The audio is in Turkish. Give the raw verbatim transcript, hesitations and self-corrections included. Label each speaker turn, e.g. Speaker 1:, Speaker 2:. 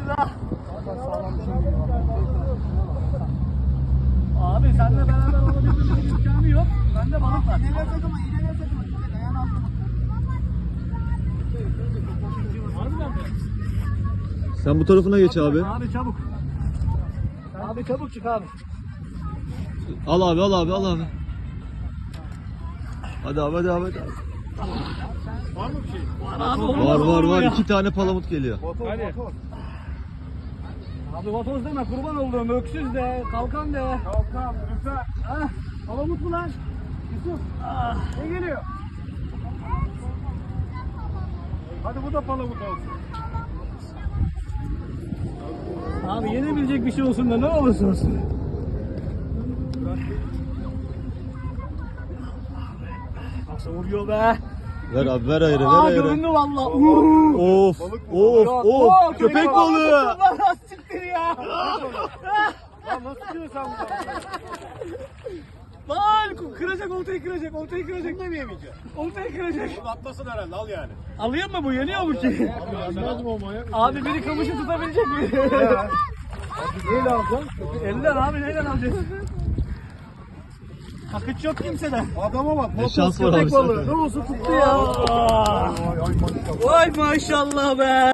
Speaker 1: Bismillah. Abi seninle beraber olabilmemizin imkanı yok. Bende balık var. İğneler takımı, iğneler takımı. Ayağını aldım.
Speaker 2: Sen bu tarafına geç abi.
Speaker 1: Abi çabuk. Abi çabuk çık abi.
Speaker 2: Al abi al abi al abi. Hadi abi hadi abi. Hadi.
Speaker 1: Var mı bir şey? Var abi. Olmaz,
Speaker 2: Var var var.
Speaker 1: ya.
Speaker 2: İki tane palamut geliyor.
Speaker 1: Hadi. Abi vatoz deme, kurban olduğum, öksüz de, kalkan de. Kalkan, lütfen. Ah, palamut mu lan? Yusuf. Ah, ne geliyor? Hadi bu da palamut olsun. Abi yenebilecek bir şey olsun da ne olursa olsun. Nasıl vuruyor be?
Speaker 2: Ver abi ver ayrı ver
Speaker 1: Aa,
Speaker 2: ayrı.
Speaker 1: göründü valla.
Speaker 2: Of of of köpek balığı.
Speaker 1: Siktir ya.
Speaker 3: Lan nasıl diyorsun bu?
Speaker 1: Lan kıracak, oltayı kıracak, oltayı kıracak.
Speaker 3: Bunu da mı yemeyeceksin?
Speaker 1: Oltayı kıracak.
Speaker 3: Bunu atmasın herhalde, al yani.
Speaker 1: Alayım mı bu? Yeniyor mu ki?
Speaker 3: Yanmaz mı o manyak?
Speaker 1: Abi biri kamışı tutabilecek mi?
Speaker 3: Neyle alacaksın?
Speaker 1: Eller abi, neyle alacağız? Akıç yok kimseden.
Speaker 3: Adama bak.
Speaker 2: Ne şans var abi
Speaker 1: Köpek balığı.
Speaker 2: sende.
Speaker 1: Ne olsun tuttu ya. Vay maşallah be.